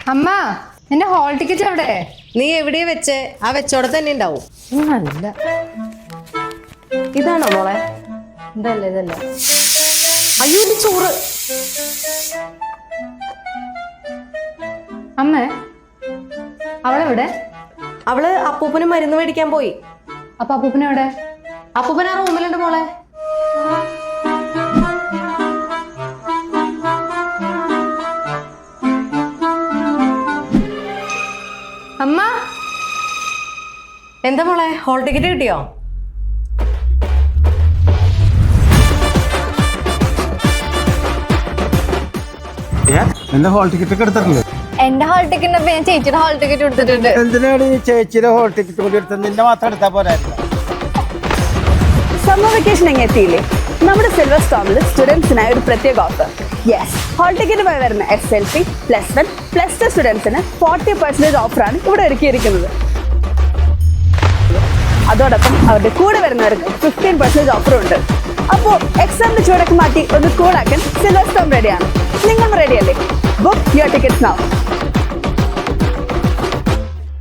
അമ്മ നിന്റെ hall ticket എവിടെ? നീ എവിടെയാ വെച്ചേ? ആ വെച്ചോടെ തന്നെ ഉണ്ടാവും. അല്ല, ഇതാണോ മോളെ? ഇതല്ല ഇതല്ല. അയ്യോ, ഇത് ചോറ്. അമ്മ അവളെവിടെ? അവള് അപ്പൂപ്പന് മരുന്ന് മേടിക്കാൻ പോയി. അപ്പൊ അപ്പൂപ്പനെവിടെ? അപ്പൂപ്പൻ ആ റൂമിലുണ്ട് മോളെ. അമ്മ എന്താ മോളെ, ഹോൾ ടിക്കറ്റ് കിട്ടിയോ? എന്റെ ഹോൾ ടിക്കറ്റ് ഒക്കെ എടുത്തിട്ടില്ലേ? എന്റെ ഹോൾ ടിക്കറ്റ് ഞാൻ ചേച്ചിയുടെ ഹോൾ ടിക്കറ്റ് എടുത്തിട്ടുണ്ട്. എന്തിനാണ് ഈ ചേച്ചിയുടെ ഹോൾ ടിക്കറ്റ് കൂടി എടുത്തത്? നിന്റെ മാത്രം എടുത്താ പോരായിരുന്നു? സമ്മർ വെക്കേഷൻ എങ്ങനെ എത്തിയില്ലേ? നമ്മുടെ സിൽവർ സ്റ്റോമിൽ സ്റ്റുഡൻസിനായി ഒരു പ്രത്യേക ഓഫർ. യെസ്, ഹോൾ ടിക്കറ്റുമായി വരുന്ന SLP, +1, +2 സ്റ്റുഡൻസിന് 40% ഓഫറാണ് ഇവിടെ ഒരുക്കിയിരിക്കുന്നത്. അതോടൊപ്പം അവരുടെ കൂടെ വരുന്നവർക്ക് 15% ഓഫറും ഉണ്ട്. അപ്പോൾ എക്സാമിന്റെ ചൂടൊക്കെ മാറ്റി ഒന്ന് കൂളാക്കാൻ സിൽവർ സ്റ്റോം റെഡിയാണ്. നിങ്ങൾ റെഡിയല്ലേ? Book your tickets now.